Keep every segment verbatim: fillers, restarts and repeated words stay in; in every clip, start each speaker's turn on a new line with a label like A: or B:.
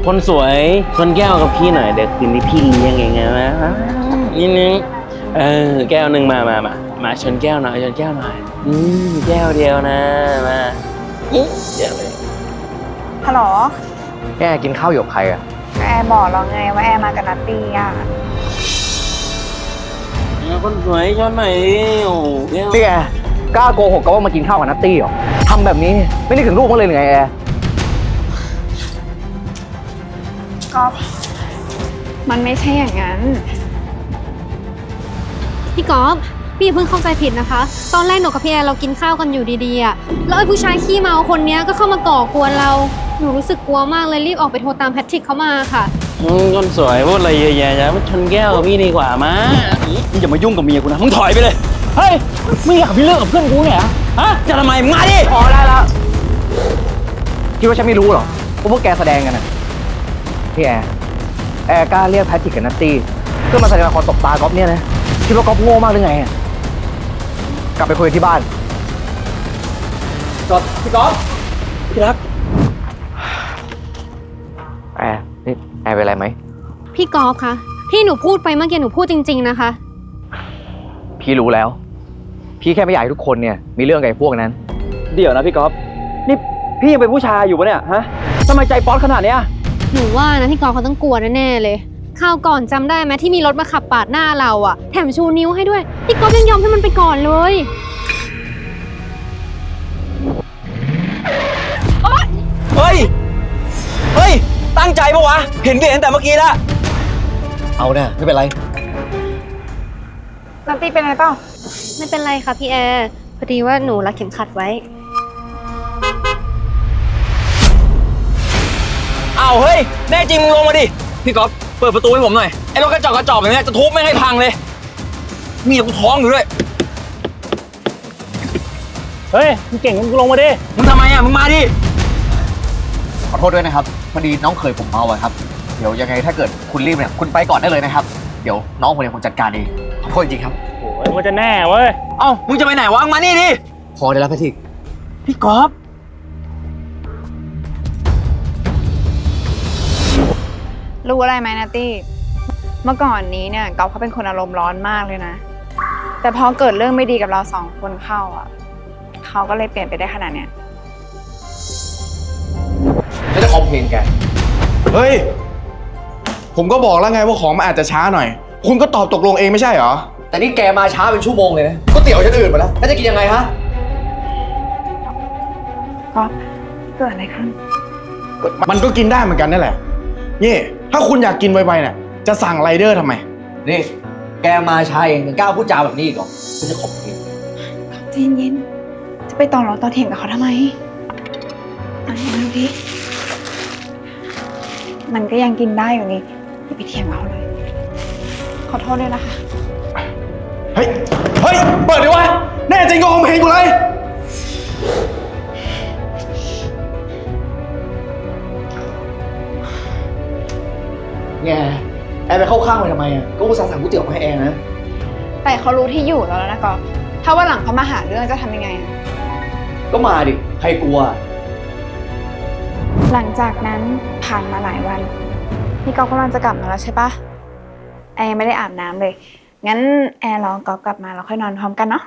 A: คนสวยชนแก้วกับพี่หน่อยเดี๋ยวคืนนี้พี่เลี้ยงยังไงนะนิดนึงเออแก้วหนึ่งมามามามาชนแก้วหน่อยชนแก้วหน่อยอืมแก้วเดียวนะมาเดี๋ยวเลย
B: ฮัลโหล
C: แกกินข้าวอยู่กับใครอ่ะ
B: แอร์บอกเราไงว่าแอร์มากับนัตตี้อ่ะ
A: คนสวยชนหน่อยโอ้
C: นี่แกกล้าโกหกก็ว่ามากินข้าวกับนัตตี้เหรอทำแบบนี้ไม่นึกถึงลูกมั้งเลยหรือไงแอร์
B: ก็มันไม่ใช่อย่างนั้น
D: พี่ก๊อฟพี่เพิ่งเข้าใจผิดนะคะตอนแรกหนูกับพี่แอร์เรากินข้าวกันอยู่ดีๆอ่ะแล้วไอ้ผู้ชายขี้เมาคนนี้ก็เข้ามาก่อกวนเราหนูรู้สึกกลัวมากเลยรีบออกไปโทรตามแพทริกเขามาค่ะ
A: คนสวยพูดอะไรเยอะแยะจะมาชนแก้วกับพี่ดีกว่ามามึงอย่ามายุ่งกับเมียกูนะมึงถอยไปเลยเฮ้ยไม่อยากพี่เลิกกับเพื่อนกูเนี่ยฮะจะทำไมมึงมาดิ
C: พอได้แล้วคิดว่าฉันไม่รู้หรอว่าพวกแกแสดงกันนะพี่แอร์แอร์กล้าเรียกแพทริกกับนัตตี้เพื่อมาแสดงละครตบตาก๊อฟเนี่ยนะคิดว่าก๊อฟโง่มากหรือไงกลับไปคุยที่บ้านก๊อฟพี่ก๊อฟพี่รักแอร์นี่แอร์เป็นไรไหม
D: พี่ก๊อฟคะที่หนูพูดไปเมื่อกี้หนูพูดจริงๆนะคะ
C: พี่รู้แล้วพี่แค่ไม่อยากให้ทุกคนเนี่ยมีเรื่องกับไอ้พวกนั้น
E: เดี๋ยวนะพี่ก๊อฟนี่พี่ยังเป็นผู้ชายอยู่ปะเนี่ยฮะทำไมใจป๊อตขนาดเนี้ย
D: หนูว่านะพี่ก๊อฟเขาต้องกลัวแน่ๆเลยคราวก่อนจำได้ไหมที่มีรถมาขับปาดหน้าเราอะแถมชูนิ้วให้ด้วยพี่ก๊อฟยังยอมให้มันไปก่อนเลย
E: เฮ้ยเฮ้ยตั้งใจปะวะเห็นเห็นแต่เมื่อกี้ละ
C: เอาเนี่ยไม่เป็นไร
B: นัตตี้เป็นอะไรเปล่า
D: ไม่เป็นไรค่ะพี่แอร์พอดีว่าหนูรัดเข็มขัดไว้
E: เอาเฮ้ยแน่จริงมึงลงมาดิพี่ก๊อฟเปิดประตูให้ผมหน่อยไอ้รถกระจอกกระจอกแบบนี้จะทุบไม่ให้พังเลยมีกูท้องอยู่ด้วย
A: เฮ้ยมึงเก่งมึงลงมาดิ
E: มึงทำไมอ่ะมึงมาดิ
C: ขอโทษด้วยนะครับพอดีน้องเคยผมเมาอะครับเดี๋ยวยังไงถ้าเกิดคุณรีบเนี่ยคุณไปก่อนได้เลยนะครับเดี๋ยวน้องคนนี้ผมจัดการเองขอโทษจริงครับ
A: โอ้ยมันจะแน่เว้ย
E: เอ้ามึงจะไปไหนวะมานี่ดิ
C: พอได้แล้วแพทริก
E: พี่ก๊อฟ
B: รู้อะไรไหมนัตตี้เมื่อก่อนนี้เนี่ยก๊อฟเขาเป็นคนอารมณ์ร้อนมากเลยนะแต่พอเกิดเรื่องไม่ดีกับเราสองคนเข้าอ่ะเขาก็เลยเปลี่ยนไปได้ขนาดเนี้ย
C: ไม่ได้คอมเพลนแก
F: เฮ้ยผมก็บอกแล้วไงว่าของมันอาจจะช้าหน่อยคุณก็ตอบตกลงเองไม่ใช่เหรอ
C: แต่นี่แกมาช้าเป็นชั่วโมงเลยนะก็เตี๋ยวฉันอื่นมาแล้วแล้วจะกินยังไงฮะ
B: ก๊อฟเกิดอะไรขึ้น
F: มันก็กินได้เหมือนกันนั่นแหละนี่ถ้าคุณอยากกินไวๆเนี่ยจะสั่งไรเดอร์ทำไม
C: นี่แกมาช้าเองยังกล้าพูดจาแบบนี้อีกเหรอฉันจะขอบคุณ
B: ใจเย็นจะไปต่อรองต่อเถียงกับเขาทำไมอันนี้ดูดิมันก็ยังกินได้อยู่นี่อย่าไปเถียงเขาเลยขอโทษด้วยนะคะ
F: เฮ้ยเฮ้ยเปิดดิวะแน่จริงก็คอมเพลนกูเลย
C: แกแอร์ไปเข้าข้างไปทำไมอ่ะก็อุตส่าห์สั่งก๋วยเตี๋ยวมาให้แอร์นะ
B: แต่เขารู้ที่อยู่แล้วนะก๊อฟถ้าว่าหลังเขามาหาเรื่องจะทำยังไงอะ
C: ก็มาดิใครกลัว
B: หลังจากนั้นผ่านมาหลายวันนี่ก๊อฟกำลังจะกลับมาแล้วใช่ปะแอร์ไม่ได้อาบน้ำเลยงั้นแอร์รอก๊อฟกลับมาแล้วค่อยนอนพร้อมกันเนาะ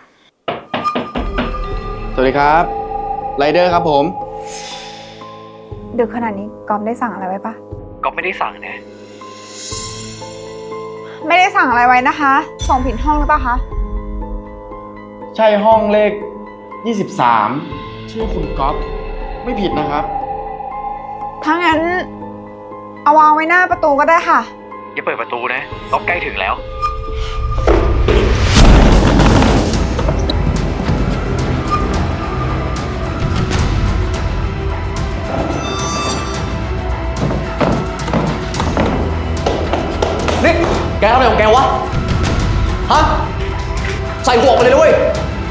F: สวัสดีครับไรเดอร์ครับผม
B: ดึกขนาดนี้ก๊อฟได้สั่งอะไรไว้ปะ
C: ก็ไม่ได้สั่งนะ
B: ไม่ได้สั่งอะไรไว้นะคะส่งผิดห้องหรือเปล่าคะ
F: ใช่ห้องเลขยี่สิบสามชื่อคุณก๊อฟไม่ผิดนะครับ
B: ถ้างั้นเอาวางไว้หน้าประตูก็ได้ค่ะ
C: อย่าเปิดประตูนะก๊อฟใกล้ถึงแล้วนี่แกทำอะไรของแกวะฮะใส่หัวไปเลยด้วย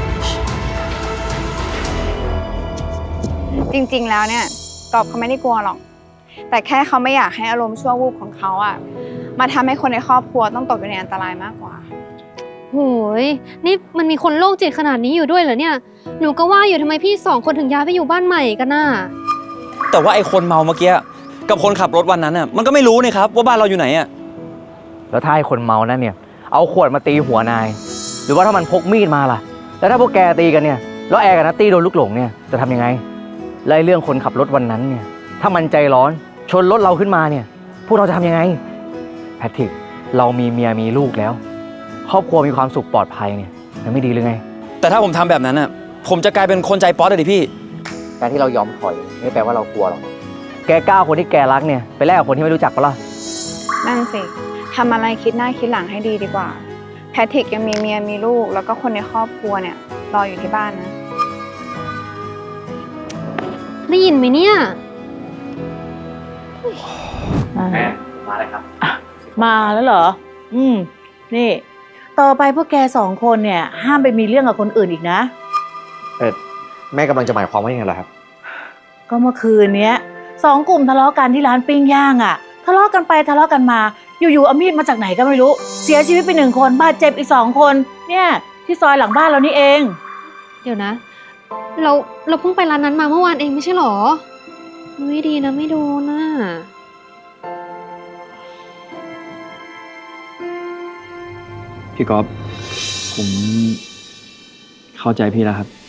B: จริงๆแล้วเนี่ยก๊อฟเขาไม่ได้กลัวหรอกแต่แค่เขาไม่อยากให้อารมณ์ชั่ววูบของเขาอ่ะมาทำให้คนในครอบครัวต้องตกอยู่ในอันตรายมากกว่า
D: โหยนี่มันมีคนโรคจิตขนาดนี้อยู่ด้วยเหรอเนี่ยหนูก็ว่าอยู่ทำไมพี่สองคนถึงย้ายไปอยู่บ้านใหม่กันน่ะ
E: แต่ว่าไอ้คนเมาเมื่อกี้กับคนขับรถวันนั้นอ่ะมันก็ไม่รู้นี่ครับว่าบ้านเราอยู่ไหนอ่ะ
C: แล้วถ้าไอ้คนเมานั่นเนี่ย เอาขวดมาตีหัวนาย หรือว่าถ้ามันพกมีดมาล่ะ แล้วถ้าพวกแกตีกันเนี่ย แล้วแอร์กับนัตตี้โดนลูกหลงเนี่ย จะทำยังไงและไอ้เรื่องคนขับรถวันนั้นเนี่ย ถ้ามันใจร้อนชนรถเราขึ้นมาเนี่ย พวกเราจะทำยังไง แพทริก เรามีเมียมีลูกแล้ว ครอบครัวมีความสุขปลอดภัยเนี่ยมันไม่ดีหรือไง
E: แต่ถ้าผมทำแบบนั้นอ่ะผมจะกลายเป็นคนใจป๊อตเลยดิพี่
C: การที่เรายอมถอยไม่แปลว่าเรากลัวหรอก แกกล้าคนที่แกรักเนี่ยไปแลกกับคนที่ไม่รู้จักปะล่ะ
B: นั่นสิทำอะไรคิดหน้าคิดหลังให้ดีดีกว่า แพทริกยังมีเมียมีลูก แล้วก็คนในครอบครัวเนี่ยรออยู่ที่บ้านนะ
D: ได้ยินไหมเนี่ย
C: แม่มาเลยครับ
G: มาแล้วเหรอ อืม นี่ ต่อไปพวกแกสองคนเนี่ย ห้ามไปมีเรื่องกับคนอื่นอีกนะ
C: เออแม่กำลังจะหมายความว่ายังไงล่ะครับ
G: ก็เมื่อคืนเนี้ยสองกลุ่มทะเลาะกันที่ร้านปิ้งย่างอ่ะ ทะเลาะกันไปทะเลาะกันมา อยู่ๆเอามีดมาจากไหนก็ไม่รู้ เสียชีวิตไปหนึ่งคนบาดเจ็บอีกสองคน เนี่ย ที่ซอยหลังบ้านเรานี่เอง
D: เดี๋ยวนะ เราเราเพิ่งไปร้านนั้นมาเมื่อวานเองไม่ใช่หรอ ไม่ดีนะไม่โดนน่ะ
E: พี่ก๊อฟผมเข้าใจพี่แล้วครับ